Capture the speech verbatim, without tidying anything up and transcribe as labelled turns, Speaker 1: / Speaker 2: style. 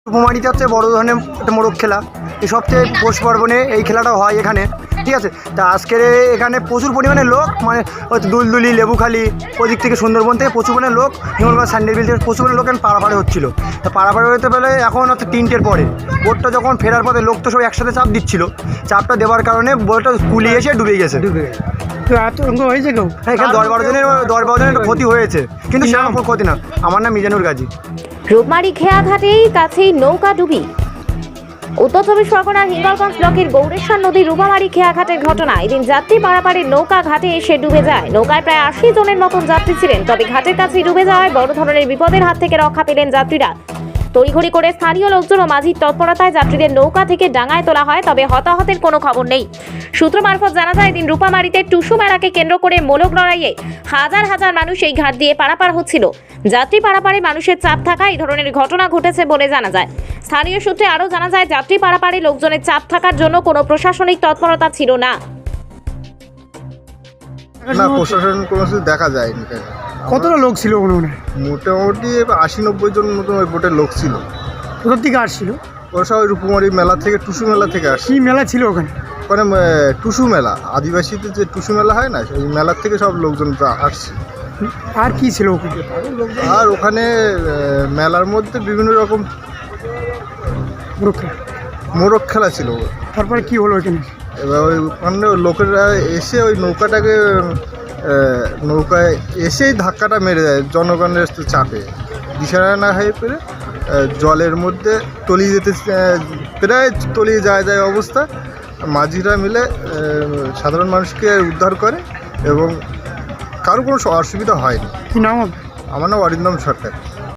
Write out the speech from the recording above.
Speaker 1: রূপমারিতে হচ্ছে বড় ধরনের একটা মোরগ খেলা, এই সবচেয়ে পৌষ পার্বণে এই খেলাটা হয় এখানে, ঠিক আছে। তা আজকের এখানে প্রচুর পরিমাণে লোক, মানে হয়তো দুলদুলি, লেবুখালি, ওদিক থেকে সুন্দরবন থেকে প্রচুর পরিমাণে লোক, হিঙ্গলগঞ্জ সান্ডেল বিল থেকে প্রচুর পরিমাণে লোক এখন পাড়াপাড়ি হচ্ছিলো। তা পাড়াপাড়ি হতে পেলে এখন হচ্ছে তিনটের পরে বোটটা যখন ফেরার পথে লোক তো সব একসাথে চাপ দিচ্ছিল, চাপটা দেওয়ার কারণে বোটটা কুলি এসে ডুবে গেছে।
Speaker 2: তো আতঙ্ক হয়েছে কেউ?
Speaker 1: হ্যাঁ, এখানে দশ বারো জনের দশ বারো জনের ক্ষতি হয়েছে, কিন্তু সেরকম কোনো ক্ষতি না। আমার নাম মিজানুর গাজী।
Speaker 3: রূপমারি খেয়াঘাটেই কাছেই নৌকা ডুবি। উত্তর চব্বিশ পরগনার হিঙ্গলগঞ্জ ব্লকের গৌরেশ্বর নদীর রূপমারি খেয়াঘাটের ঘটনা। এদিন যাত্রী পারাপারের নৌকা ঘাটে এসে ডুবে যায়। নৌকায় প্রায় আশি জনের মতন যাত্রী ছিলেন, তবে ঘাটের কাছেই ডুবে যাওয়ায় বড় ধরনের বিপদের হাত থেকে রক্ষা পেলেন যাত্রীরা। তড়িঘড়ি করে স্থানীয় লোকজন ও মাঝির তৎপরতায় যাত্রীদের নৌকা থেকে ডাঙায় তোলা হয়, তবে হতাহতের কোনো খবর নেই। সূত্র মারফত জানা যায়, এদিন রূপামারিতে টুসু মেলাকে কেন্দ্র করে মোলক লড়াইয়ে হাজার হাজার মানুষ এই ঘাট দিয়ে পারাপার হচ্ছিল। যাত্রী পারাপারে মানুষের চাপ থাকা এই ধরনের ঘটনা ঘটেছে বলে জানা যায়। স্থানীয় সূত্রে আরও জানা যায়, যাত্রী পারাপারে লোকজনের চাপ থাকার জন্য কোনো প্রশাসনিক তৎপরতা ছিল না।
Speaker 4: না, প্রশাসন কোনো কিছু দেখা যায়নি।
Speaker 2: কতটা লোক ছিল মনে মনে?
Speaker 4: মোটামুটি আশি নব্বই জন মতন ওই বোটের লোক ছিল।
Speaker 2: কোথার থেকে আসছিল?
Speaker 4: ওরা সবাই রূপমারি মেলা থেকে, টুসু মেলা থেকে আসছে।
Speaker 2: কি মেলা ছিল ওখানে?
Speaker 4: ওখানে আহ, টুসু মেলা, আদিবাসীদের যে টুসু মেলা হয় না, সেই মেলার থেকে সব লোকজন আসছে।
Speaker 2: আর কি ছিল ওখানে?
Speaker 4: আর ওখানে আহ, মেলার মধ্যে বিভিন্ন রকম
Speaker 2: মোরগ খেলা।
Speaker 4: মোরগ খেলা ছিল।
Speaker 2: তারপরে কি হলো ওখানে?
Speaker 4: এবার ওই ওখানে লোকেরা এসে ওই নৌকাটাকে আহ, নৌকায় এসেই ধাক্কাটা মেরে দেয় জনগণের চাপে, দিশারা না হয়ে পেরে আহ, জলের মধ্যে তলিয়ে যেতে আহ, প্রায় তলিয়ে যায় যায় অবস্থা। মাঝিরা মিলে আহ, সাধারণ মানুষকে উদ্ধার করে এবং কারো কোনো অসুবিধা হয়নি।
Speaker 2: কি নাম হবে?
Speaker 4: আমার নাম অরিন্দম সরকার।